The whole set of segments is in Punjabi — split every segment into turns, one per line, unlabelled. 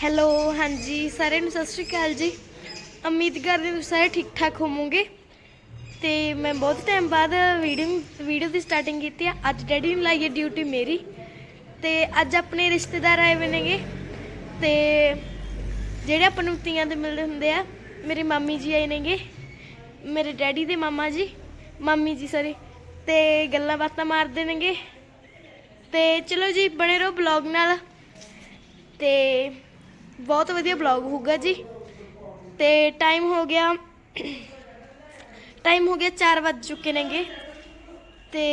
ਹੈਲੋ ਹਾਂਜੀ ਸਾਰਿਆਂ ਨੂੰ ਸਤਿ ਸ਼੍ਰੀ ਅਕਾਲ ਜੀ। ਉਮੀਦ ਕਰਦੇ ਤੁਸੀਂ ਸਾਰੇ ਠੀਕ ਠਾਕ ਹੋਵੋਗੇ। ਤੇ ਮੈਂ ਬਹੁਤ ਟਾਈਮ ਬਾਅਦ ਵੀਡੀਓ ਦੀ ਸਟਾਰਟਿੰਗ ਕੀਤੀ ਆ। ਅੱਜ ਡੈਡੀ ਨੂੰ ਲਾਈ ਹੈ ਡਿਊਟੀ ਮੇਰੀ, ਤੇ ਅੱਜ ਆਪਣੇ ਰਿਸ਼ਤੇਦਾਰ ਆਏ ਹੋਏ ਨੇਗੇ। ਤੇ ਜਿਹੜੇ ਆਪਾਂ ਨੂੰ ਤੀਆਂ ਦੇ ਮਿਲਦੇ ਹੁੰਦੇ ਆ, ਮੇਰੇ ਮਾਮੀ ਜੀ ਆਏ ਨੇਗੇ, ਮੇਰੇ ਡੈਡੀ ਦੇ ਮਾਮੀ ਜੀ ਸੌਰੀ। ਤੇ ਗੱਲਾਂ ਬਾਤਾਂ ਮਾਰਦੇ ਨੇਗੇ। ਤੇ ਚਲੋ ਜੀ ਬਣੇ ਰਹੋ ਬਲੌਗ ਨਾਲ, ਤੇ ਬਹੁਤ ਵਧੀਆ ਬਲੌਗ ਹੋਊਗਾ ਜੀ। ਤੇ ਟਾਈਮ ਹੋ ਗਿਆ 4 ਵੱਜ ਚੁੱਕੇ ਨੇਗੇ। ਤੇ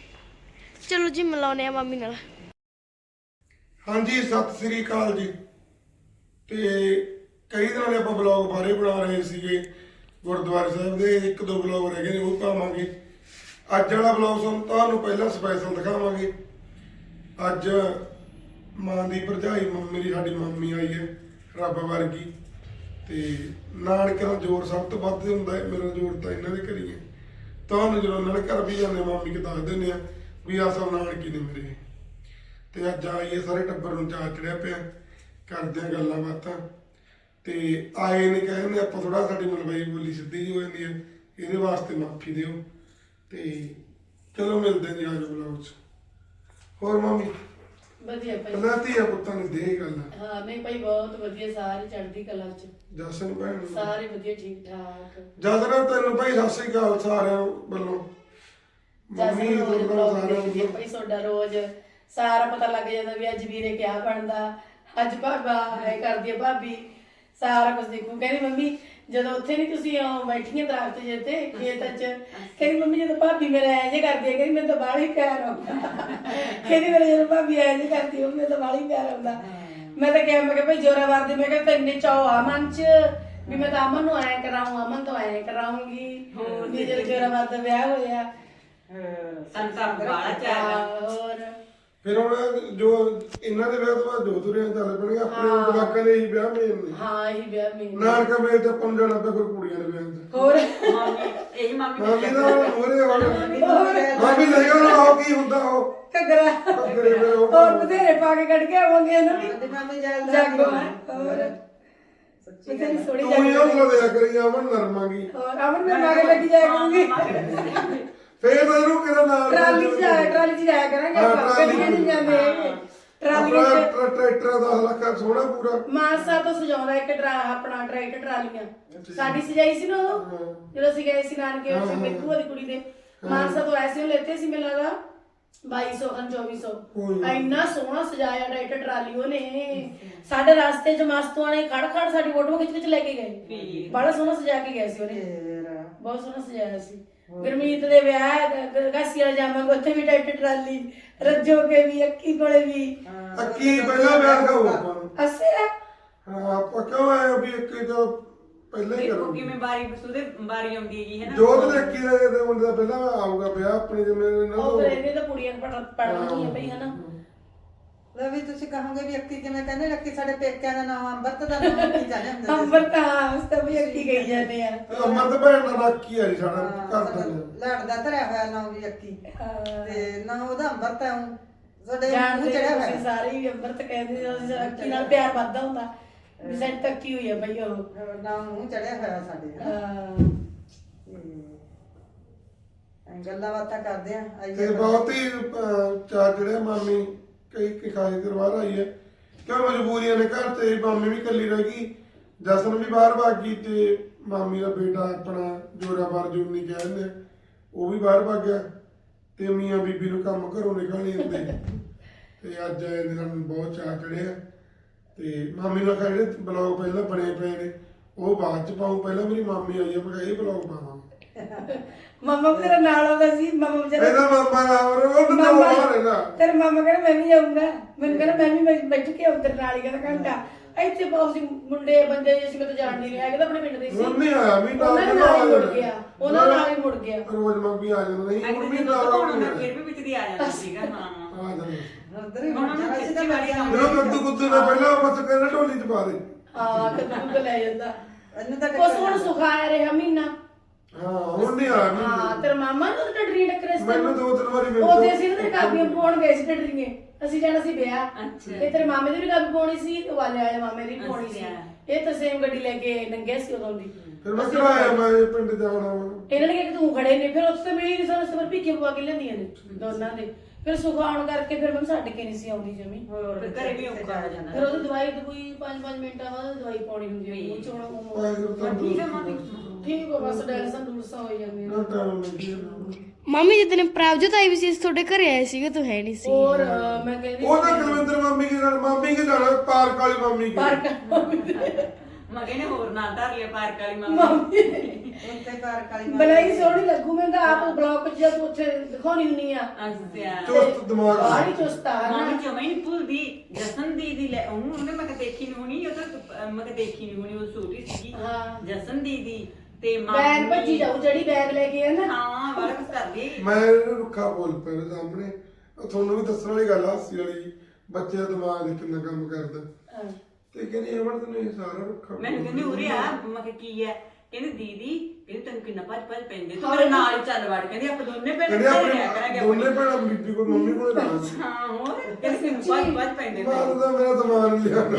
ਚਲੋ ਜੀ ਮਿਲਾਉਂਦੇ ਆ ਮਾਮੀ ਨਾਲ।
ਹਾਂਜੀ ਸਤਿ ਸ੍ਰੀ ਅਕਾਲ ਜੀ। ਤੇ ਕਈ ਦਿਨਾਂ ਦੇ ਆਪਾਂ ਬਲੌਗ ਬਾਰੇ ਬਣਾ ਰਹੇ ਸੀਗੇ ਗੁਰਦੁਆਰੇ ਸਾਹਿਬ ਦੇ, 1-2 ਬਲੌਗ ਰਹਿ ਗਏ ਨੇ, ਉਹ ਪਾਵਾਂਗੇ। ਅੱਜ ਵਾਲਾ ਬਲੌਗ ਤੁਹਾਨੂੰ ਪਹਿਲਾਂ ਸਪੈਸ਼ਲ ਦਿਖਾਵਾਂਗੇ। ਅੱਜ ਮਾਂ ਦੀ ਭਰਜਾਈ ਮੇਰੀ ਸਾਡੀ ਮੰਮੀ ਆਈ ਹੈ, ਰੱਬ ਵਰਗੀ। ਤੇ ਨਾਨਕਿਆਂ ਦਾ ਜ਼ੋਰ ਸਭ ਤੋਂ ਵੱਧ ਹੁੰਦਾ ਹੈ, ਮੇਰਾ ਜ਼ੋਰ ਤਾਂ ਇਹਨਾਂ ਦੇ ਘਰ ਹੀ ਹੈ। ਤੁਹਾਨੂੰ ਜਦੋਂ ਉਹਨਾਂ ਦੇ ਘਰ ਵੀ ਜਾਂਦੇ ਮਾਮੀ ਕੇ ਦੱਸ ਦਿੰਦੇ ਆ ਵੀ ਆਹ ਸਭ ਨਾਨਕੀ ਨੇ ਮੇਰੇ। ਤੇ ਅੱਜ ਆਈਏ ਸਾਰੇ ਟੱਬਰ ਨੂੰ ਚਾਅ ਚੜਿਆ ਪਿਆ, ਕਰਦੇ ਆ ਗੱਲਾਂ ਬਾਤਾਂ। ਤੇ ਆਏ ਨੇ ਕਹਿੰਦੇ ਆਪਾਂ ਥੋੜਾ ਸਾਡੀ ਮਲਵਈ ਬੋਲੀ ਸਿੱਧੀ ਜਿਹੀ ਹੋ ਜਾਂਦੀ ਹੈ, ਇਹਦੇ ਵਾਸਤੇ ਮਾਫੀ ਦਿਓ। ਤੇ ਚਲੋ ਮਿਲਦੇ ਜੀ ਅੱਜ ਬਲੌਗ 'ਚ। ਹੋਰ ਮੰਮੀ
ਵਧੀਆ ਭਾਈ,
ਪਹਿਲਾਂ ਧੀਆ ਪੁੱਤਾਂ ਨੇ ਦੇ ਗੱਲ।
ਹਾਂ ਨਹੀਂ ਭਾਈ ਬਹੁਤ ਵਧੀਆ, ਸਾਰੇ ਚੜ੍ਹਦੀ ਕਲਾ ਚ,
ਜਸਨ ਭੈਣ ਨੂੰ
ਸਾਰੇ ਵਧੀਆ ਠੀਕ ਠਾਕ।
ਜਸਨ ਤੈਨੂੰ ਭਾਈ ਸਤਿ ਸ੍ਰੀ ਅਕਾਲ ਸਾਰਿਆਂ ਵੱਲੋਂ। ਮੰਮੀ ਸਾਰਿਆਂ ਨੂੰ
ਭਾਈ ਤੁਹਾਡਾ ਰੋਜ਼ ਸਾਰਾ ਪਤਾ ਲੱਗ ਜਾਂਦਾ ਵੀ ਅੱਜ ਵੀਰੇ ਕਿਆ ਬਣਦਾ, ਅੱਜ ਭਾਬਾ ਐ ਕਰਦੀ ਆ, ਭਾਬੀ ਸਾਰਾ ਕੁਝ ਦੇਖੂ। ਕਹਿੰਦੀ ਮੰਮੀ ਜਦੋਂ ਉੱਥੇ ਨਹੀਂ ਤੁਸੀਂ ਬੈਠੀਆਂ ਦਰਖਤ ਜੇ ਤੇ ਖੇਤ ਚ, ਕਹਿੰਦੀ ਮੰਮੀ ਜਦੋਂ ਭਾਬੀ ਮੇਰਾ ਐਂ ਜੇ ਕਰਦੀ ਹੈ, ਕਹਿੰਦੀ ਮੈਨੂੰ ਤਾਂ ਬਾਹਲਾ ਹੀ ਪਿਆਰ ਆਉਂਦਾ। ਕਹਿੰਦੀ ਮੇਰੇ ਜਦੋਂ ਭਾਬੀ ਐਂ ਜੇ ਕਰਦੀ ਉਹ ਮੈਨੂੰ ਤਾਂ ਬਾਹਲਾ ਹੀ ਪਿਆਰ ਆਉਂਦਾ। ਮੈਂ ਤਾਂ ਕਿਹਾ, ਮੈਂ ਕਿਹਾ ਭਾਈ ਜੋਰਾਵਰ ਦੀ, ਮੈਂ ਕਿਹਾ ਤੈਨੂੰ ਚਾਅ ਆ ਮਨ ਚ ਵੀ ਮੈਂ ਤਾਂ ਅਮਨ ਨੂੰ ਐਂ ਕਰਾਊਂ, ਅਮਨ ਤੋਂ ਐਂ ਕਰਾਉਂਗੀ। ਵੀ ਜਦੋਂ ਜੋਰਾਵਰ ਦਾ ਵਿਆਹ ਹੋਇਆ
ਸੰਸਾਰ ਬਾਲਾ ਚਾਹ
ਹੋਰ
ਫਿਰ ਹੁਣ ਜੋ ਇਹਨਾਂ ਦੇ ਵਿਆਹ ਤੋਂ ਬਾਅਦ ਜੋ ਤੁਰਿਆ ਚੱਲ ਪਣਗੇ ਆਪਣੇ ਜਵਾਕਾਂ ਦੇ ਹੀ ਵਿਆਹ ਮੇਨ ਨੇ।
ਹਾਂ ਇਹੀ ਵਿਆਹ ਮੇਨ
ਨਾਨਕਾ ਮੇਲ ਤੇ ਆਪਾਂ ਨੂੰ ਜਾਣਾ ਪਿਆ ਫਿਰ ਕੁੜੀਆਂ ਦੇ ਵਿਆਹ 'ਚ।
ਹੋਰ
ਮਾਮੀ ਇਹੀ ਮਾਮੀ
ਮਾਮੀ ਦਾ ਮੋਰੇ ਮਾਮੀ ਲੈ ਗਿਆ ਉਹ ਕੀ ਹੁੰਦਾ ਉਹ
ਘੱਗਰਾ
ਘੱਗਰੇ ਫਿਰ ਉਹ
ਹੋਰ ਬਥੇਰੇ ਪਾ ਕੇ ਕੱਢ ਕੇ ਆਵਾਂਗੇ ਇਹਨਾਂ ਦੀ
ਮਾਮੀ
ਜਾਗੋ। ਹੋਰ ਬਥੇਰੀ ਸੋਹਣੀ
ਤੂੰ ਹੀ
ਜਾਗੋ।
ਉਹ ਲਿਆ ਕਰੀ ਅਮਨ ਨਰਮਾਂਗੀ।
ਹੋਰ ਅਮਨ ਮੈਂ ਮਾਗੇ ਲੱਗੀ ਜਾਇਆ ਕਰੂੰਗੀ,
ਫੇਰ ਇਹਨੂੰ ਕਿਹੜਾ ਨਾਲ
ਟਰਾਲੀ ਚ ਜਾਇਆ ਕਰਾਂਗੇ ਆਪਾਂ, ਗੱਡੀਆਂ ਨਹੀਂ ਜਾਂਦੇ ਹੈਗੇ। ਟਰਾਲੀ
ਟਰੈਕਟਰ 10 ਲੱਖ ਸੋਹਣਾ ਪੂਰਾ
ਮਾਨਸਾ ਤੋਂ ਸਜਾਉਂਦਾ ਇੱਕ ਆਪਣਾ ਟਰੈਕਟਰ ਟਰਾਲੀਆਂ ਸਾਡੀ ਸਜਾਈ ਸੀ ਨਾ ਉਦੋਂ, ਜਦੋਂ ਅਸੀਂ ਗਏ ਸੀ ਨਾਨਕੇ ਉੱਥੇ ਮਿੱਕੂ ਦੀ ਕੁੜੀ ਦੇ। ਮਾਨਸਾ ਤੋਂ ਐਸੇ ਲੈਤੇ ਸੀ ਮੈਨੂੰ ਲੱਗਦਾ 2200 ਇੰਨਾ ਸੋਹਣਾ ਸਜਾਇਆ ਟਰੈਕਟਰ ਟਰਾਲੀ ਉਹਨੇ। ਸਾਡੇ ਰਸਤੇ ਚ ਮਸਤੂਆਂ ਨੇ ਖੜ ਸਾਡੀ ਫੋਟੋ ਖਿੱਚ ਲੈ ਕੇ ਗਏ, ਬੜਾ ਸੋਹਣਾ ਸਜਾ ਕੇ ਗਏ ਸੀ ਉਹਨੇ, ਬਹੁਤ ਸੋਹਣਾ ਸਜਾਇਆ ਸੀ। ਗੁਰਮੀਤ ਦੇ ਵਿਆਹ ਕਾਸੀ ਵਾਲਾ ਜਾਵਾਂਗੇ, ਉੱਥੇ ਵੀ ਟਰੈਕਟਰ ਟਰਾਲੀ, ਰੱਜੋ ਕੇ ਵੀ, ਅੱਕੀ ਕੋਲੇ ਵੀ।
ਅੱਕੀ ਪਹਿਲਾਂ ਵਿਆਹ ਖਾਓ ਆਪਾਂ ਨੂੰ।
ਅੱਛਾ
ਹਾਂ ਆਪਾਂ ਕਿਉਂ ਆਏ ਵੀ ਇੱਕ ਤਾਂ ਪਹਿਲਾਂ ਹੀ ਕਰੋ।
ਕਿਵੇਂ ਬਾਰੀ ਆਉਂਦੀ ਹੈਗੀ ਹੈ ਨਾ।
ਜੋਤ ਦੇ ਅੱਕੀ ਦੇ ਮੁੰਡੇ ਦਾ ਪਹਿਲਾਂ ਆਊਗਾ ਵਿਆਹ ਆਪਣੀ ਜਿਵੇਂ
ਉਹ ਫਿਰ ਇਹਨੇ ਤਾਂ ਕੁੜੀਆਂ ਪੜ੍ਹਨੀਆਂ ਪਈ ਹਨਾ।
ਲੈ ਵੀ ਤੁਸੀਂ ਕਹੋਗੇ ਵੀ ਅੱਕੀ ਕਿਵੇਂ ਕਹਿੰਦੇ, ਲੱਕੀ ਸਾਡੇ ਪੇਕਿਆਂ ਦਾ ਨਾਮ ਅੰਮ੍ਰਿਤ ਦਾ ਨਾਮ ਅੱਕੀ ਜਾਂਦੇ ਹੁੰਦੇ ਸੀ।
ਅੰਬਰ ਤਾਂ ਉਸ ਤਾਂ ਵੀ ਅੱਕੀ ਗਈ ਜਾਂਦੇ ਆ।
ਅਮਰ ਤਾਂ ਭੈਣ ਦਾ ਅੱਕੀ ਆ ਜੀ ਸਾਡਾ ਘਰ ਦਾ।
ਲਾੜ ਦਾ ਧਰਿਆ ਹੋਇਆ ਨਾਮ ਵੀ ਅੱਕੀ, ਤੇ ਨਾ ਉਹਦਾ ਅੰਮ੍ਰਿਤ ਹੈ। ਸਾਡੇ
ਜਾਣਦੇ
ਮੂੰਹ ਚੜਿਆ
ਤੁਸੀਂ
ਹੋਇਆ
ਸਾਰੇ ਵੀ ਅੰਬਰ ਤਾਂ ਕਹਿੰਦੇ ਸੀ, ਅੱਕੀ ਨਾਲ ਪਿਆਰ ਵੱਧਦਾ ਹੁੰਦਾ ਵੀ ਸਾਡੀ ਤੱਕੀ ਹੋਈ ਆ ਬਈ ਉਹ
ਨਾਮ ਮੂੰਹ ਚੜਿਆ ਹੋਇਆ ਸਾਡੇ। ਤੇ ਗੱਲਾਂ ਬਾਤਾਂ ਕਰਦੇ ਆ
ਤੇ ਬਹੁਤ ਹੀ ਚਾਰ ਜਿਹੜੇ ਮਾਮੀ ਕਈ ਕਿਖਾਈ ਕਰਵਾ ਰਹੀ ਹੈ ਕਿਉਂ ਮਜਬੂਰੀਆਂ ਨੇ ਘਰ ਤੇ। ਮਾਮੀ ਵੀ ਇਕੱਲੀ ਰਹਿ ਗਈ, ਜਸਨ ਵੀ ਬਾਹਰ ਭੱਜ ਗਈ, ਤੇ ਮਾਮੀ ਦਾ ਬੇਟਾ ਆਪਣਾ ਜੋਰਾਵਰ ਜੂਨੀ ਕਹਿੰਦੇ ਉਹ ਵੀ ਬਾਹਰ ਭੱਜ ਗਿਆ। ਤੇ ਮੀਆਂ ਬੀਬੀ ਨੂੰ ਕੰਮ ਘਰੋਂ ਨਿਕਲ ਨਹੀਂ ਹੁੰਦੇ। ਤੇ ਅੱਜ ਇਹਦੇ ਨਾਲ ਬਹੁਤ ਚਾਅ ਚੜਿਆ। ਤੇ ਮਾਮੀ ਨੂੰ ਆਖਿਆ ਜਿਹੜੇ ਬਲੌਗ ਪਹਿਲਾਂ ਬਣੇ ਪਏ ਨੇ ਉਹ ਬਾਅਦ ਚ ਪਾਉ, ਪਹਿਲਾਂ ਮੇਰੀ ਮਾਮੀ ਆਈ ਹੈ, ਮੈਂ ਕਿਹਾ ਇਹ ਬਲੌਗ ਪਾਵਾਂਗੇ।
ਮਾਮਾ ਵੀ ਤੇਰਾ ਨਾਲ ਆਉਂਦਾ ਸੀ। ਮਾਮਾ ਵਿਚਾਰਾ
ਇਹਦਾ ਮਾਮਾ ਉਹ ਤਾਂ ਬਾਹਰ ਹੈਗਾ।
ਤੇਰਾ ਮਾਮਾ ਕਹਿੰਦਾ ਮੈਂ ਵੀ ਜਾਊਂਗਾ, ਮੈਨੂੰ ਕਹਿੰਦਾ ਮੈਂ ਵੀ ਬੈਠ ਕੇ ਆਉਂ ਤੇਰੇ ਨਾਲ ਹੀ, ਕਹਿੰਦਾ ਘੰਟਾ ਇੱਥੇ ਬਹੁਤ ਸੀ ਮੁੰਡੇ ਬੰਦੇ ਅਸੀਂ ਤਾਂ ਜਾਣ ਨਹੀਂ ਰਿਹਾ, ਕਹਿੰਦਾ ਆਪਣੇ ਪਿੰਡ ਦੇ ਸੀ।
ਹੁਣ ਨਹੀਂ ਆਇਆ ਮਹੀਨਾ
ਉਹਨਾਂ ਨਾਲ ਹੀ ਮੁੜ ਗਿਆ, ਉਹਨਾਂ ਨਾਲ ਹੀ ਮੁੜ ਗਿਆ।
ਰੋਜ਼ ਮੰਮੀ ਆ ਜਾਂਦਾ ਨਹੀਂ ਹੁਣ
ਅਗਲੇ
ਮਹੀਨਾ
ਦਿਨ ਫਿਰ ਵੀ ਵਿੱਚ ਦੀ ਆ ਜਾਂਦਾ ਸੀਗਾ। ਹਾਂ
ਆ ਜਾਂਦਾ
ਉਧਰ ਹੀ
ਹੁਣ ਉਹਨੂੰ
ਅਸੀਂ ਤਾਂ
ਖੇਤੀਬਾੜੀ ਦਾ
ਜਦੋਂ ਕੱਦੂ ਕੁੱਦੂ ਨੇ ਪਹਿਲਾਂ ਬਸ ਕਹਿੰਦਾ ਢੋਲੀ ਚ ਪਾ ਦੇ।
ਹਾਂ ਕਦੋਂ ਲੈ ਜਾਂਦਾ
ਇਹਨੂੰ ਤਾਂ
ਕੁਛ ਹੁਣ ਸੁਖਾਇਆ ਰਿਹਾ ਮਹੀਨਾ,
ਹਾਂ ਹੁਣ ਨਹੀਂ ਆਇਆ
ਹਾਂ ਤੇਰਾ ਮਾਮਾ ਨੂੰ ਟੱਡਰੀ ਟੱਕਰੇ ਸੀ
ਮੈਨੂੰ 2-3 ਵਾਰੀ ਮਿਲ
ਉਹਦੇ ਅਸੀਂ ਨਾ ਕਾਪੀਆਂ ਪਾਉਣ ਗਏ ਸੀ ਟੱਡਰੀਏ ਅਸੀਂ ਜਾਣਾ ਸੀ ਵਿਆਹ
ਅੱਛਾ।
ਤੇ ਤੇਰੇ ਮਾਮੇ ਦੀ ਵੀ ਕਾਪੀ ਪਾਉਣੀ ਸੀ ਤੇ ਵਾਲੇ ਵਾਲੇ ਮਾਮੇ ਦੀ ਵੀ ਪਾਉਣੀ ਸੀ
ਅੱਛਾ।
ਇਹ ਤਾਂ ਸੇਮ ਗੱਡੀ ਲੈ ਕੇ ਨੰਗੇ ਸੀ ਉਦੋਂ ਦੀ
ਫਿਰ ਮੈਂ ਕਿਹਾ ਮੈਂ ਪਿੰਡ ਜਾਣਾ ਵਾ
ਇਹਨਾਂ ਨੇ ਕਿਹਾ ਕਿ ਤੂੰ ਖੜੇ ਨੇ ਫਿਰ ਉੱਥੇ ਮਿਲੀ ਨਹੀਂ ਸਾਨੂੰ ਸਬਰ ਭੀਖੇ ਪਵਾ ਕੇ ਲੈਂਦੀਆਂ ਨੇ ਦੋਨਾਂ ਦੇ ਫਿਰ ਸੁਖਾ ਆਉਣ ਕਰਕੇ ਫਿਰ ਮੈਂ ਛੱਡ ਕੇ ਨਹੀਂ ਸੀ ਆਉਂਦੀ ਜਮੀ
ਫਿਰ ਘਰੇ ਵੀ ਔਖਾ ਹੋ ਜਾਂਦਾ
ਫਿਰ ਉਹਦੀ ਦਵਾਈ ਦਵਾਈ 5-5 ਮਿੰਟਾਂ ਬਾਅਦ ਦਵਾਈ ਪਾਉਣੀ ਹੁੰਦੀ ਹੈ ਮੂੰਹ ਚ ਹੁਣ
ਠੀਕ ਹੈ ਮਾਮੀ
ਠੀਕ ਹੋ ਬਸ ਡੈਲਸਨ ਡੂਲਸਾ ਹੋ ਜਾਂਦੀ
ਨਾ ਟਾਈਮ ਲੱਗੀ
ਮੰਮੀ ਜਿੱਦਣ ਪ੍ਰਭਜੋਤ ਆਈ ਵੀ ਸੀ ਅਸੀਂ ਤੁਹਾਡੇ ਘਰੇ ਆਏ ਸੀਗੇ ਤੂੰ ਹੈ ਨਹੀਂ ਸੀ
ਹੋਰ ਮੈਂ ਕਹਿੰਦੀ
ਉਹ ਤਾਂ ਕੁਲਵਿੰਦਰ ਮਾਮੀ ਕੇ ਨਾਲ ਮਾਮੀ ਕੇ ਜਾਣਾ ਪਾਰਕ ਵਾਲੀ ਮਾਮੀ ਕੇ
ਪਾਰਕ
ਮਗੇ ਨੇ ਹੋਰ ਨਾਲ ਧਰ ਲਿਆ ਪਾਰਕ ਵਾਲੀ ਮਾਮੀ
ਉੱਥੇ ਕਾਰ ਕਾਲੀ
ਬਣਾਈ ਸੋਹਣੀ ਲੱਗੂ ਮੈਂ ਤਾਂ ਆਪ ਬਲੌਗ ਚ ਜਦ ਉੱਥੇ ਦਿਖਾਉਣੀ ਹੁੰਨੀ ਆ
ਅੱਛਾ
ਚੁਸਤ ਦਿਮਾਗ
ਬਾਹਲੀ ਚੁਸਤਾ ਹੈ
ਮਾਮੀ
ਨਾ
ਜਮਾਈ ਨਹੀਂ ਭੁੱਲਦੀ ਜਸਨ ਦੀਦੀ ਲੈ ਉਹਨੇ ਮੈਂ ਦੇਖੀ ਨਹੀਂ ਹੋਣੀ ਉਹ ਤਾਂ ਮੈਂ ਦੇਖੀ ਨਹੀਂ ਹੋਣੀ ਉਹ ਛੋਟੀ ਸੀਗੀ
ਹਾਂ।
ਜਸਨ ਦੀਦੀ ਤੇ
ਬੈਗ ਭੱਜੀ ਜਾਊ ਜਿਹੜੀ ਬੈਗ ਲੈ ਕੇ ਆ ਨਾ
ਹਾਂ ਬੜਾ ਕੁਝ ਕਰਦੀ
ਮੈਂ ਇਹਨੂੰ ਰੁੱਖਾ ਬੋਲ ਪਿਆ ਉਹਦੇ ਸਾਹਮਣੇ ਉਹ ਤੁਹਾਨੂੰ ਵੀ ਦੱਸਣ ਵਾਲੀ ਗੱਲ ਆ ਹਾਸੀ ਵਾਲੀ ਬੱਚੇ ਦਾ ਦਿਮਾਗ ਦੇ ਕਿੰਨਾ ਕੰਮ ਕਰਦਾ
ਹਾਂ।
ਤੇ ਕਹਿੰਦੀ ਅਮਰ ਤੈਨੂੰ ਇਹ ਸਾਰਾ ਰੁੱਖਾ
ਮੈਨੂੰ ਕਹਿੰਦੀ ਉਰੇ ਆ ਮੈਂ ਕਿਹਾ ਕੀ ਹੈ ਕਹਿੰਦੀ ਦੀਦੀ ਕਹਿੰਦੀ ਤੈਨੂੰ ਕਿੰਨਾ ਭੱਜ ਪੈਂਦੇ ਤੂੰ ਮੇਰੇ ਨਾਲ ਹੀ ਚੱਲ ਵੜ ਕਹਿੰਦੀ ਆਪਾਂ ਦੋਨੇ ਭੈਣਾਂ
ਕਹਿੰਦੇ
ਘਰੇ ਰਹਿ
ਆਪਣੇ
ਕਰਾਂਗੇ
ਦੋਨੇ ਭੈਣਾਂ ਬੀਬੀ ਕੋਲ ਮੰਮੀ ਕੋਲ ਰਹਿਣਾ ਸੀ
ਹਾਂ ਹੋਰ ਕਹਿੰਦੀ ਤੈਨੂੰ ਭੱਜ ਪੈਂਦੇ
ਬਾਅਦ ਦਾ ਮੇਰਾ ਦਿਮਾਗ ਲਿਆ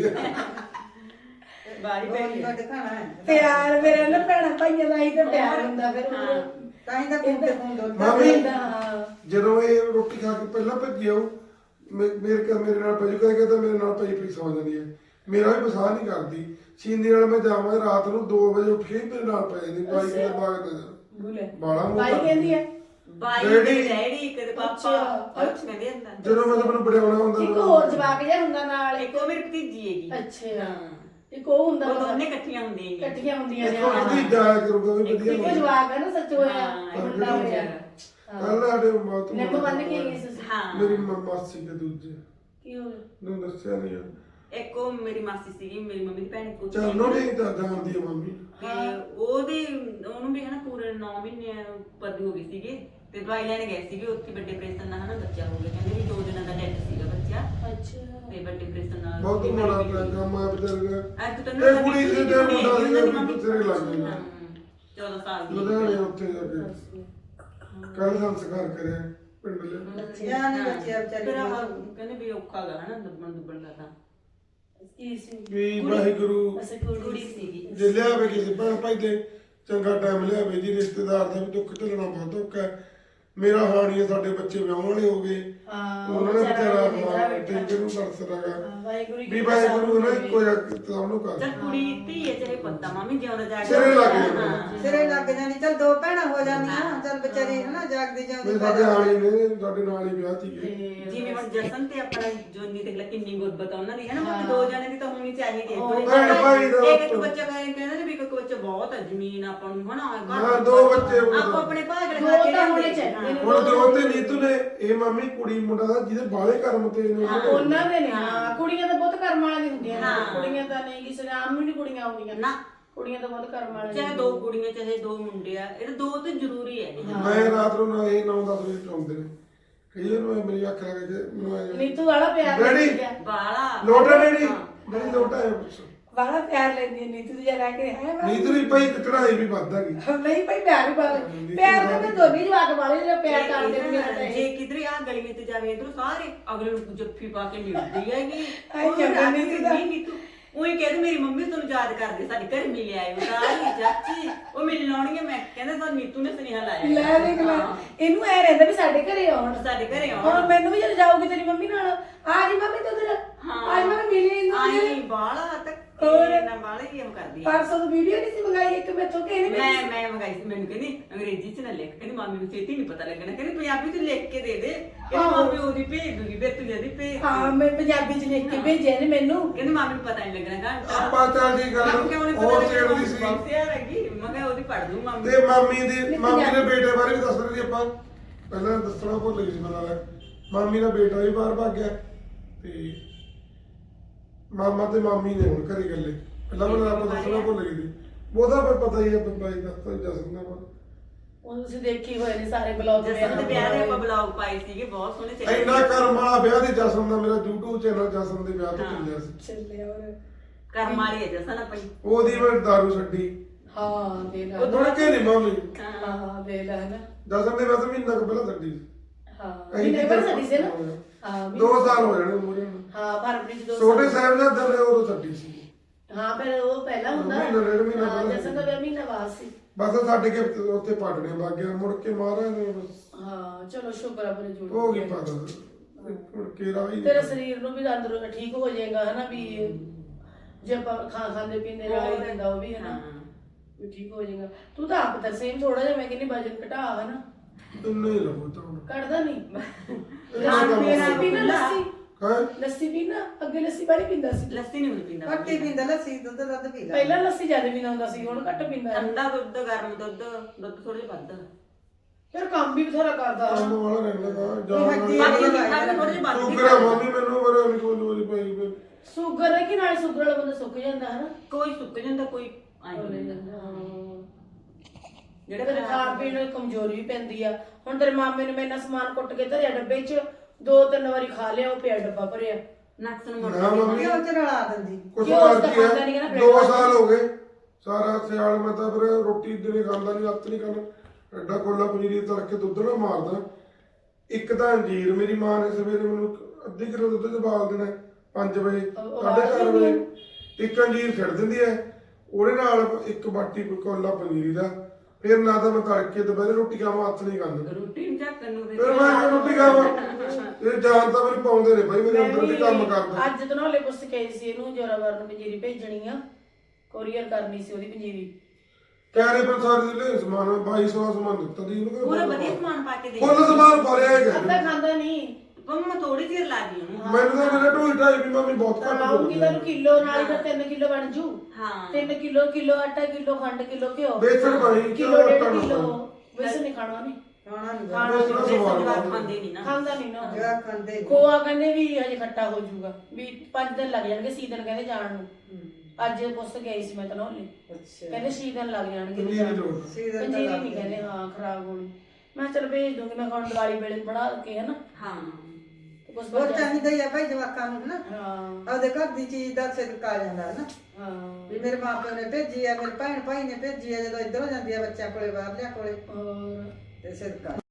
ਬਾਰੀ
ਬੋਲੀ
ਪੈ
ਦਾ ਦਿਖਾਣਾ ਹੈ
ਪਿਆਰ ਮੇਰੇ ਨਾਲ ਭੈਣਾਂ ਭਾਈਆਂ ਦਾ ਹੀ ਤਾਂ ਪਿਆਰ ਹੁੰਦਾ ਫਿਰ
ਹਾਂ।
ਤਾਂ ਹੀ ਤਾਂ ਕੁੰਡੇ ਕੁੰਡੋ
ਮਾਮੀ
ਹਾਂ।
ਜਦੋਂ ਇਹ ਰੋਟੀ ਖਾ ਕੇ ਪਹਿਲਾਂ ਭੱਜੀ ਆਉ ਮੇਰੇ ਨਾਲ ਭੱਜ ਕੇ ਤਾਂ ਮੇਰੇ ਨਾਲ ਭੱਜ ਸੌ ਜਾਂਦੀ ਹੈ ਮੇਰਾ ਵੀ ਪਸਾਹ ਨਹੀਂ ਕਰਦੀ ਛੀਂਦੀ ਨਾਲ ਮੈਂ ਜਾਵਾਂ ਰਾਤ ਨੂੰ 2 ਵਜੇ ਉੱਠ ਕੇ ਮੇਰੇ ਨਾਲ ਪੈ ਜਾਂਦੀ ਬਾਈ ਦੇ ਬਾਗ ਨਜ਼ਰ
ਬੁਲੇ
ਬਾਲਾ ਮੂੰਹ
ਬਾਈ ਕਹਿੰਦੀ ਹੈ
ਬਾਈ
ਡੈਡੀ।
ਡੈਡੀ ਕਦੇ ਪਾਪਾ
ਅੱਛਾ।
ਕੁਛ ਕਹਿੰਦੇ ਹੁੰਦਾ
ਜਦੋਂ ਮੈਂ ਮੈਨੂੰ ਬੜਿਆਉਣਾ ਹੁੰਦਾ
ਇੱਕ ਹੋਰ ਜਵਾਕ ਜਿਹਾ ਹੁੰਦਾ ਨਾਲ
ਇੱਕ ਉਹ ਮੇਰੀ ਭਤੀਜੀ ਹੈਗੀ
ਅੱਛਾ
ਹਾਂ
ਇੱਕ ਉਹ ਹੁੰਦਾ
ਉਹ ਦੋਨੇ ਇਕੱਠੀਆਂ ਹੁੰਦੀਆਂ ਨੇ
ਇਕੱਠੀਆਂ ਹੁੰਦੀਆਂ ਨੇ
ਇੱਕ ਉਹਦੀ ਜਾਇਆ ਕਰੂਗਾ ਵੀ
ਇੱਕ
ਵਧੀਆ
ਇੱਕੋ
ਹੋਊਗਾ।
ਜਵਾਕ ਹੈ ਨਾ ਸੱਚ ਹੋਇਆ
ਹਾਂ,
ਮੁੰਡਾ ਹੋਇਆ
ਕੱਲ ਸਾਡੇ ਮਾਤ
ਨਿੰਮ ਬੰਨ ਕੇ ਗਈ ਸੀ
ਹਾਂ
ਮੇਰੀ ਮਾਸੀ ਦੇ ਦੂਜੇ
ਕੀ ਹੋ ਗਿਆ
ਨੂੰ ਦੱਸਿਆ ਨਹੀਂ
ਇੱਕ ਉਹ ਮੇਰੀ ਮਾਸੀ ਸੀਗੀ ਮੇਰੀ ਮੰਮੀ ਦੀ ਭੈਣ ਕੋਲ
ਚੱਲ ਨੋ ਨਹੀਂ ਤਾਂ ਜਾਣਦੀ ਆ ਮੰਮੀ
ਤੇ ਉਹਨੂੰ ਵੀ ਹਨਾ ਪੂਰੇ 9 ਮਹੀਨੇ ਪਰਦੀ ਹੋ ਗਈ ਸੀਗੀ ਤੇ ਦਵਾਈ ਲੈਣ ਗਏ ਸੀਗੇ ਉੱਥੇ ਵੱਡੇ ਪ੍ਰੈਸ਼ਨ ਨਾਲ ਹਨਾ ਬੱਚਾ ਹੋ ਗਿਆ ਕਹਿੰਦੇ ਵੀ 2 ਦਿਨਾਂ ਦਾ ਡੈਡ ਸੀਗਾ ਬੱਚਾ
ਅੱਛਾ
ਤੇ ਵੱਡੇ ਪ੍ਰੈਸ਼ਨ ਨਾਲ
ਬਹੁਤ ਮਾੜਾ ਪਿਆ ਕੰਮ ਆ ਵਿਚਾਰੇ
ਅੱਜ
ਦਾ
ਤੈਨੂੰ
ਇਹ ਕੁੜੀ ਦੇ ਤੇ ਮੁੰਡਾ ਸੀ ਵੀ ਤੇਰੇ ਲੱਗ ਗਿਆ
14 ਸਾਲ ਦੀ
ਲੁਧਿਆਣੇ ਉੱਥੇ ਜਾ ਕੇ ਕੱਲ ਸੰਸਕਾਰ ਕਰਿਆ ਪਿੰਡ ਲੈ
ਯਾ ਨਹੀਂ ਬੱਚਿਆ
ਫਿਰ
ਵਿਚਾਰੀ
ਆਹ ਕਹਿੰਦੇ ਵੀ ਔਖਾ ਗਾ ਹਨਾ ਦੁੱਬਣ ਦਾ ਤਾਂ
ਕੀ ਸੀ
ਵੀ ਵਾਹਿਗੁਰੂ
ਅਸੇ
ਕੁੜੀ ਸੀਗੀ
ਜੇ ਲਿਆਵੇ ਕਿਸੇ ਭੈਣ ਭਾਈ ਦੇ ਚੰਗਾ ਟਾਈਮ ਲਿਆਵੇ ਜੀ ਰਿਸ਼ਤੇਦਾਰ ਦਾ ਵੀ ਦੁੱਖ ਝੱਲਣਾ ਬਹੁਤ ਔਖਾ ਹੈ ਮੇਰਾ ਹਾਣੀ ਹੈ ਸਾਡੇ ਬੱਚੇ ਵਿਆਹੁਣ ਵਾਲੇ ਹੋ ਗਏ
ਹਾਂ
ਉਹਨਾਂ ਨੇ ਵਿਚਾਰਾ ਟਿੰਕੇ ਨੂੰ ਤਰਸਦਾਗਾ
ਵਾਹਿਗੁਰੂ
ਵੀ ਵਾਹਿਗੁਰੂ ਨੇ ਇੱਕੋ ਜਿਹਾ ਸਭ ਨੂੰ ਕਰ
ਚੱਲ ਕੁੜੀ ਧੀ ਹੈ ਚਾਹੇ ਪੁੱਤਾਂ ਮਾਮੀ ਜਿਉਂਦਾ ਜਾ ਕੇ
ਸਿਰੇ ਲੱਗ ਜਾਂਦਾ।
ਹਾਂ।
ਸਿਰੇ ਲੱਗ ਜਾਂਦੀ ਚਲ 2 ਭੈਣਾਂ ਹੋ ਜਾਂਦੀਆਂ ਚਲ ਵਿਚਾਰੀ ਹਨਾ ਜਾਗਦੇ
ਵੀ
ਜਾਉਂਦੇ
ਸਾਡੇ ਹਾਣੀ ਨੇ ਸਾਡੇ ਨਾਲ ਹੀ ਵਿਆਹ ਸੀਗੇ
ਜਿਵੇਂ ਹੁਣ ਜਸਨ ਤੇ ਆਪਣਾ ਜੋਨੀ ਦੇਖ ਲੈ ਕਿੰਨੀ ਗੁਰਬਤ ਆ ਉਹਨਾਂ ਦੀ ਹੈ ਨਾ ਮਤਲਬ 2 ਜਣੇ ਦੀ ਤਾਂ ਹੋਣੀ ਚਾਹੀਦੀ ਹੈ ਕੋਈ
ਭੈਣ ਭਾਈ ਦਾ
ਇੱਕ ਬੱਚਾ ਕਹਿੰਦੇ ਨੇ ਵੀ ਇੱਕ ਬੱਚਾ ਬਹੁਤ ਹੈ ਜ਼ਮੀਨ ਆਪਾਂ ਨੂੰ ਹਨਾ
ਹਾਂ, 2 ਬੱਚੇ ਹੋਣ।
ਆਪੋ ਆਪਣੇ ਭਾਗ
ਦੋ
ਲਗਾ ਕੇ
ਤਾਂ ਹੋਣੇ
ਲਿਆਂਦੇ।
ਚਾਹੀਦੇ ਨੇ।
ਹੁਣ ਜੋ ਤੇ ਨੀਤੂ ਨੇ ਇਹ ਮੰਮੀ ਕੁੜੀ ਮੁੰਡਾ ਦਾ ਜਿਹਦੇ ਬਾਲੇ ਕਰਮ ਤੇ ਨੇ
ਉਹਨਾਂ ਦੇ ਨੇ ਹਾਂ ਕੁੜੀਆਂ ਤਾਂ ਬਹੁਤ ਕਰਮ ਵਾਲੀਆਂ ਹੁੰਦੀਆਂ ਨੇ
ਹਾਂ।
ਕੁੜੀਆਂ ਤਾਂ ਨਹੀਂ ਕਿਸੇ ਦੇ ਆਮ ਵੀ ਨਹੀਂ ਕੁੜੀਆਂ ਆਉਂਦੀਆਂ
ਨਾ
ਕੁੜੀਆਂ ਤਾਂ ਬਹੁਤ ਕਰਮ ਵਾਲੀਆਂ
ਚਾਹੇ 2 ਕੁੜੀਆਂ ਚਾਹੇ 2 ਮੁੰਡੇ ਆ ਇਹ 2 ਤਾਂ ਜ਼ਰੂਰੀ ਹੈ
ਮੈਂ ਰਾਤ ਨੂੰ ਨਾ ਇਹ 9-10 ਵਜੇ ਚੌਂਦੇ ਨੇ ਕਈ ਵਾਰ ਮੈਂ ਮੇਰੀ ਅੱਖ ਲੱਗ ਕੇ ਮੈਨੂੰ ਐਂ
ਨੀਤੂ ਵਾਲਾ ਪਿਆਰ
ਡੈਡੀ।
ਲੈਂਦੀ ਆ
ਬਾਲਾ
ਲੋਟਾ ਡੈਡੀ ਡੈਡੀ ਲੋਟਾ ਹੈ ਪੁੱਛ
ਵਾਲਾ ਪਿਆਰ ਲੈਂਦੀ ਆ ਨੀਤੂ ਦੀ ਜਰਾ ਕੇ ਹੈ ਮੈਂ
ਨੀਤੂ ਦੀ ਭਾਈ ਚੜਾਈ ਵੀ ਵੱਧ ਗਈ
ਨਹੀਂ ਭਾਈ ਪਿਆਰ ਵੀ ਬਾਲੇ ਪਿਆਰ ਤਾਂ ਮੈਂ ਦੋਨੀ ਜਵਾਕ ਵਾਲੇ ਜਿਹੜਾ ਪਿਆਰ ਕਰਦੇ ਨੇ ਮੇਰਾ ਤਾਂ ਇਹ
ਜੇ ਕਿਧਰੇ ਆ ਗਲੀ ਵਿੱਚ ਜਾਵੇ ਇਧਰ ਸਾਰੇ ਅਗਲੇ ਨੂੰ ਜੱਫੀ ਪਾ ਕੇ ਮਿਲਦੀ ਹੈਗੀ
ਆਈ ਜਾਂਦਾ ਨੀਤੂ ਦਾ।
ਨੀਤੂ ਉਹੀ ਕਹਿੰਦੇ ਮੇਰੀ ਮੰਮੀ ਤੁਹਾਨੂੰ ਯਾਦ ਕਰਦੇ ਸਾਡੇ ਘਰ ਮਿਲ ਆਇਓ ਸਾਰੀ ਚਾਚੀ ਉਹ ਮਿਲਣ ਆਉਣਗੇ ਮੈਂ ਕਹਿੰਦਾ ਸਾਨੂੰ ਨੀਤੂ ਨੇ ਸੁਨੇਹਾ ਲਾਇਆ
ਲੈ ਦੇਖ ਲੈ ਇਹਨੂੰ ਐ ਰਹਿੰਦਾ ਵੀ ਸਾਡੇ ਘਰੇ ਆਉਣ
ਸਾਡੇ ਘਰੇ ਆਉਣ
ਹੁਣ ਮੈਨੂੰ ਵੀ ਜਦੋਂ ਜਾਊਗੀ ਤੇਰੀ ਮੰਮੀ ਨਾਲ ਆ ਜੀ ਮੰਮੀ ਤੂੰ ਉਧਰ ਆ ਜੀ ਮੰਮੀ ਮਿਲੀ ਇਹਨੂੰ
ਆਈ ਬਾਲਾ ਤੱਕ
ਹੋਰ?
ਨਾ ਬਾਲਾ ਹੀ ਕੰਮ ਕਰਦੀ ਹੈ
ਪਰਸੋਂ ਤੋਂ ਵੀਡੀਓ ਨਹੀਂ ਸੀ ਮੰਗਾਈ ਇੱਕ ਮੈਥੋਂ ਕਿ ਇਹਨੇ
ਮੈਂ ਮੰਗਾਈ ਸੀ ਮੈਨੂੰ ਕਹਿੰਦੀ ਅੰਗਰੇਜ਼ੀ ਚ ਨਾ ਲਿਖ ਕਹਿੰਦੀ ਮਾਮੀ ਨੂੰ ਛੇਤੀ ਨਹੀਂ ਪਤਾ ਲੱਗਣਾ ਕਹਿੰਦੀ ਪੰਜਾਬੀ ਚ ਲਿਖ ਕੇ ਦੇ ਦੇ ਕਹਿੰਦੀ ਮਾਮੀ ਉਹਦੀ ਭੇਜ ਦੂਗੀ ਫਿਰ ਤੂੰ ਜਦੀ ਭੇਜ
ਹਾਂ ਮੈਂ ਪੰਜਾਬੀ ਚ ਲਿਖ ਕੇ ਭੇਜਿਆ ਨੇ ਮੈਨੂੰ
ਕਹਿੰਦੀ ਮਾਮੀ ਨੂੰ ਪਤਾ ਨਹੀਂ ਲੱਗਣਾ
ਆਪਾਂ ਚੱਲ ਦੀ ਗੱਲ ਉਹ ਛੇੜਦੀ ਸੀ
ਯਾਰ ਹੈਗੀ ਮੈਂ ਕਿਹਾ ਉਹਦੀ ਪੜ ਦੂੰ ਮਾਮੀ
ਤੇ ਮਾਮੀ ਦੇ ਬੇਟੇ ਬਾਰੇ ਵੀ ਦੱਸ ਰਹੇ ਸੀ ਆਪਾਂ ਪਹਿਲਾਂ ਦੱਸਣਾ ਭੁੱਲ ਗਈ ਸੀ ਮੈਨੂੰ ਮਾਮੀ ਦਾ ਬੇਟਾ ਵੀ ਬਾਹਰ ਭੱਗ ਗਿਆ ਤੇ ਮਾਮਾ ਤੇ ਮਾਮੀ ਨੇ ਹੁਣ ਘਰੇ ਗੱਲੇ ਪਹਿਲਾਂ ਮੈਨੂੰ ਆਪਾਂ ਦੱਸਣਾ ਭੁੱਲ ਗਈ ਸੀ ਉਹਦਾ ਫਿਰ ਪਤਾ ਹੀ ਹੈ ਬਾਈ ਦੱਸਦਾ ਹੀ ਦੱਸ ਦਿੰਦਾ ਵਾ
ਉਹ ਤੁਸੀਂ ਦੇਖੀ ਹੋਏ ਨੇ ਸਾਰੇ ਬਲੌਗ
ਜਸਨ ਦੇ ਵਿਆਹ ਦੇ ਆਪਾਂ ਬਲੌਗ ਪਾਏ ਸੀਗੇ ਬਹੁਤ ਸੋਹਣੇ ਚੱਲੇ
ਇੰਨਾ ਕਰਮ ਵਾਲਾ ਵਿਆਹ ਦੇ ਜਸਨ ਦਾ ਮੇਰਾ YouTube ਚੈਨਲ ਜਸਨ ਦੇ ਵਿਆਹ ਤੋਂ ਚੱਲਿਆ ਸੀ
ਚੱਲੇ ਹੋਰ
ਕਰਮ ਵਾਲੀ ਹੈ ਜਸਨ ਆਪਣੀ
ਉਹਦੀ ਮੈਂ ਦਾਰੂ ਛੱਡੀ
ਹਾਂ ਦੇ ਲੈ
ਮੁੜ ਕੇ ਨਹੀਂ ਮੰਮੀ
ਹਾਂ ਦੇ ਲੈ ਨਾ
ਦਸਨ ਦੇ ਬਸ ਮਹੀਨਾ ਕੁ ਪਹਿਲਾਂ ਛੱਡੀ ਸੀ
ਹਾਂ
ਅਸੀਂ
ਵੀ ਨੇਬਰ ਸਾਡੀ ਸੀ ਨਾ ਹਾਂ
2 ਸਾਲ ਹੋ ਜਾਣੇ ਮੂਰੇ ਨੂੰ
ਹਾਂ ਫਰਵਰੀ ਚ 2
ਛੋਟੇ ਸਾਹਿਬ ਦਾ ਦਰ ਉਹ ਛੱਡੀ ਸੀ
ਹਾਂ ਫਿਰ ਉਹ ਪਹਿਲਾਂ ਹੁੰਦਾ
ਮਹੀਨਾ, ਡੇਢ ਮਹੀਨਾ
ਹਾਂ
ਪਹਿਲਾਂ।
ਜਸਨ ਦਾ ਮਹੀਨਾ ਬਾਅਦ ਸੀ
ਬਸ ਛੱਡ ਕੇ ਉੱਥੇ ਪੜਨੇ ਲੱਗ ਗਿਆ ਮੁੜ ਕੇ ਮਾਰਾ ਨੇ ਬਸ
ਹਾਂ ਚਲੋ ਸ਼ੁਕਰ ਆ ਬਰੇ ਜੁੜ
ਹੋ ਗਈ ਪਾਗਲ ਮੁੜ ਕੇ ਰਾਹੀ
ਤੇਰੇ ਸਰੀਰ ਨੂੰ ਵੀ ਅੰਦਰੋਂ ਠੀਕ ਹੋ ਜਾਏਗਾ ਹਨਾ ਵੀ ਜੇ ਆਪਾਂ ਖਾਂਦੇ ਪੀਂਦੇ ਰਾਈ ਦਿੰਦਾ ਉਹ ਵੀ ਹਨਾ ਵੀ ਠੀਕ ਹੋ ਜਾਏਗਾ ਤੂੰ ਤਾਂ ਆਪ ਤਾਂ ਸੇਮ ਥੋੜਾ ਜਿਹਾ ਮੈਂ ਕਹਿੰਦੀ ਵਜਨ ਘਟਾ ਹਨਾ
ਤੈਨੂੰ ਹੀ ਲੱਗੂ ਤਾਂ ਹੁਣ
ਕੱਢਦਾ ਨਹੀਂ
ਲੱਸੀ
ਪੀਣਾ ਲੱਸੀ
ਹੈ
ਲੱਸੀ ਪੀਣਾ ਅੱਗੇ ਲੱਸੀ ਬਾਰੀ ਪੀਂਦਾ ਸੀ
ਲੱਸੀ ਨਹੀਂ ਪੀਂਦਾ
ਘੱਟੀ ਪੀਂਦਾ ਲੱਸੀ ਦੁੱਧ ਪੀ ਲੈ
ਪਹਿਲਾਂ ਲੱਸੀ ਜ਼ਿਆਦਾ ਪੀਂਦਾ ਹੁੰਦਾ ਸੀ ਹੁਣ ਘੱਟ ਪੀਂਦਾ ਹੈ।
ਠੰਡਾ ਦੁੱਧ ਗਰਮ ਦੁੱਧ ਥੋੜਾ ਜਿਹਾ ਵੱਧ
ਫਿਰ ਕੰਮ ਵੀ ਬਥੇਰਾ ਕਰਦਾ
ਕੰਮ ਵਾਲਾ ਰਹਿੰਦਾ
ਹੱਡੀ
ਜਾਂ
ਬਾਕੀ
ਵਾਲੀ
ਮਿੱਠਾ ਵੀ ਥੋੜਾ ਜਿਹਾ ਵੱਧ
ਤੂੰ
ਵੀ
ਕਰਾ ਮੰਮੀ ਮੈਨੂੰ ਬੜਾ ਨਹੀਂ ਕੋਈ ਲੋੜ ਪਈ
ਸ਼ੂਗਰ ਹੈ ਕਿ ਨਾਲ ਸ਼ੂਗਰ ਵਾਲਾ ਬੰਦਾ ਸੁੱਕ ਜਾਂਦਾ ਹੈ ਨਾ
ਕੋਈ ਸੁੱਕ ਜਾਂਦਾ ਕੋਈ ਆਈ
ਹੋ
ਨਹੀਂ
ਜਾਂਦਾ ਹਾਂ
ਜਿਹੜੇ
ਤੇਰੇ ਖਾਣ ਪੀਣ ਨੂੰ ਕਮਜ਼ੋਰੀ ਵੀ ਪੈਂਦੀ ਆ ਹੁਣ ਤੇਰੇ ਮਾਮੇ ਨੇ ਮੈਂ ਇੰਨਾ ਸਮਾਨ ਕੁੱਟ ਕੇ ਧਰਿਆ ਡੱਬੇ 'ਚ 2-3 ਵਾਰੀ ਖਾ ਲਿਆ ਉਹ ਪਿਆ ਡੱਬਾ ਭਰਿਆ
ਨਕਸ ਨੂੰ
ਨਾ ਮੰਮੀ
ਕਿਉਂ ਚ ਰਲਾ ਦਿੰਦੀ
ਕੁਛ
ਕਿਉਂ
ਕਰ
ਉਸਦਾ
ਕੀ
ਖਾਂਦਾ ਨੀ ਗਾ ਨਾ
ਹੈ
bread
2 ਸਾਲ ਹੋ ਗਏ ਸਾਰਾ ਸਿਆਲ ਮੈਂ ਤਾਂ ਫਿਰ ਰੋਟੀ ਦਿਨੇ ਖਾਂਦਾ ਨਹੀਂ ਹੱਥ ਨਹੀਂ ਖਾਣਾ ਐਡਾ ਕੋਲਾ ਪਨੀਰੀ ਤੜਕੇ ਦੁੱਧ ਨਾ ਮਾਰਦਾ ਇੱਕ ਤਾਂ ਅੰਜੀਰ ਮੇਰੀ ਮਾਂ ਨੇ ਸਵੇਰੇ ਮੈਨੂੰ ਅੱਧੀ ਕਿਲੋ ਦੁੱਧ ਚ ਬਾਲ ਦੇਣਾ 5 ਵਜੇ
ਉਹ
4:30 ਵਜੇ ਇੱਕ ਅੰਜੀਰ ਛੱਡ ਦਿੰਦੀ ਹੈ ਉਹਦੇ ਨਾਲ ਇੱਕ ਬਾਟੀ ਕੋਲਾ ਪਨੀਰੀ ਦਾ ਫਿਰ ਨਾ ਤਾਂ ਮੈਂ ਤੜਕੇ ਦੁਪਹਿਰੇ ਰੋਟੀ ਖਾਵਾਂ ਹੱਥ ਨਹੀਂ ਖਾਂਦਾ
ਰੋਟੀ ਨਹੀਂ ਝੱਕਣ ਨੂੰ
ਫਿਰ ਮੈਂ ਕਿਉਂ ਰੋਟੀ ਖਾਵਾਂ ਇਹ ਜਾਨ ਤਾਂ ਮੈਨੂੰ ਪਾਉਂਦੇ ਨੇ ਭਾਈ ਮੇਰੇ ਅੰਦਰ ਤੇ ਕੰਮ ਕਰਦਾ
ਅੱਜ ਤੋਂ ਨਾਲੇ ਪੁੱਛ ਕੇ ਆਈ ਸੀ ਇਹਨੂੰ ਜੋਰਾਵਰ ਨੂੰ ਪੰਜੀਰੀ ਭੇਜਣੀ ਆ ਕੋਰੀਅਰ ਕਰਨੀ ਸੀ ਉਹਦੀ ਪੰਜੀਰੀ
ਕਹਿ ਰਹੇ ਪਰ ਸਾਰੇ ਜ਼ਿਲ੍ਹੇ ਸਮਾਨ 2200 ਸਮਾਨ ਦਿੱਤਾ ਦੀ ਇਹਨੂੰ
ਪੂਰਾ ਵਧੀਆ ਸਮਾਨ ਪਾ ਕੇ ਦੇ
ਫੁੱਲ ਸਮਾਨ ਭਰਿਆ ਹੈਗਾ
ਅੱਧਾ ਖਾਂਦਾ ਨਹੀਂ
ਮੈਂ ਥੋੜੀ ਦੇਰ ਲਾ ਗਈ ਉਹਨੂੰ
ਮੈਨੂੰ ਤਾਂ ਮੇਰੇ ਢੋਈ ਢਾਈ ਵੀ ਮੰਮੀ ਬਹੁਤ ਘੱਟ
ਲਾਉਂਗੀ ਤੈਨੂੰ ਕਿਲੋ ਨਾਲ ਹੀ ਫਿਰ 3 ਕਿਲੋ ਬਣ ਜੂ
ਹਾਂ
3 ਕਿਲੋ ਆਟਾ ਕਿਲੋ ਖੰਡ ਕਿਲੋ ਘਿਓ
ਬੇਸਣ ਪਾਣੀ
ਕਿਲੋ 1.5 ਕਿਲੋ ਵੈਸੇ ਨਹੀਂ ਖਾਣਾ ਨਹੀਂ
ਖਾਣਾ ਨਹੀਂ
ਖਾਣਾ
ਬੇਸਣ ਦਾ ਸਵਾਦ
ਜਵਾਬ ਖਾਂਦੇ ਨਹੀਂ ਨਾ
ਖਾਂਦਾ ਨਹੀਂ ਨਾ
ਜਿਹੜਾ ਖਾਂਦੇ ਨੀ।
ਖੋਆ ਕਹਿੰਦੇ ਵੀ ਹਜੇ ਖੱਟਾ ਹੋ ਜਾਊਗਾ ਵੀ 5 ਦਿਨ ਲੱਗ ਜਾਣਗੇ ਸੀਜ਼ਨ ਕਹਿੰਦੇ ਜਾਣ ਨੂੰ ਅੱਜ ਪੁੱਛ ਕੇ ਆਈ ਸੀ ਮੈਂ ਤਾਂ ਨਾਲੇ
ਅੱਛਾ
ਕਹਿੰਦੇ ਸੀਜ਼ਨ ਲੱਗ ਜਾਣਗੇ
ਪੰਜੀਰੀ
ਜਾਣ ਨੂੰ।
ਲੋੜ
ਸੀਜ਼ਨ ਤਾਂ
ਪੰਜੀਰੀ
ਲੱਗ
ਨਹੀਂ ਕਹਿੰਦੇ ਹਾਂ ਖਰਾਬ ਹੋਣੀ ਮੈਂ ਕਿਹਾ ਚੱਲ ਭੇਜ ਦੂੰਗੀ ਮੈਂ ਹੁਣ ਦੀਵਾਲੀ ਵੇਲੇ ਬਣਾ ਕੇ ਹਨਾ
ਹਾਂ
ਤੇ ਕੁਛ
ਹੋਰ
ਬਣ
ਚਾਹੀਦਾ ਹੀ ਆ ਭਾਈ ਜਵਾਕਾਂ ਨੂੰ ਨਾ
ਹਾਂ
ਆਪਦੇ ਘਰ ਦੀ ਚੀਜ਼ ਦਾ ਸਿਦਕ ਆ ਜਾਂਦਾ ਹੈ ਨਾ
ਹਾਂ
ਵੀ ਮੇਰੇ ਮਾਪਿਆਂ ਨੇ ਭੇਜੀ ਆ ਮੇਰੇ ਭੈਣ ਭਾਈ ਨੇ ਭੇਜੀ ਆ ਜਦੋਂ ਇੱਧਰੋਂ ਜਾਂਦੀ ਆ ਬੱਚਿਆਂ ਕੋਲੇ ਬਾਹਰਲਿਆਂ ਕੋਲੇ
ਹੋਰ
ਤੇ ਸਿਦਕਾ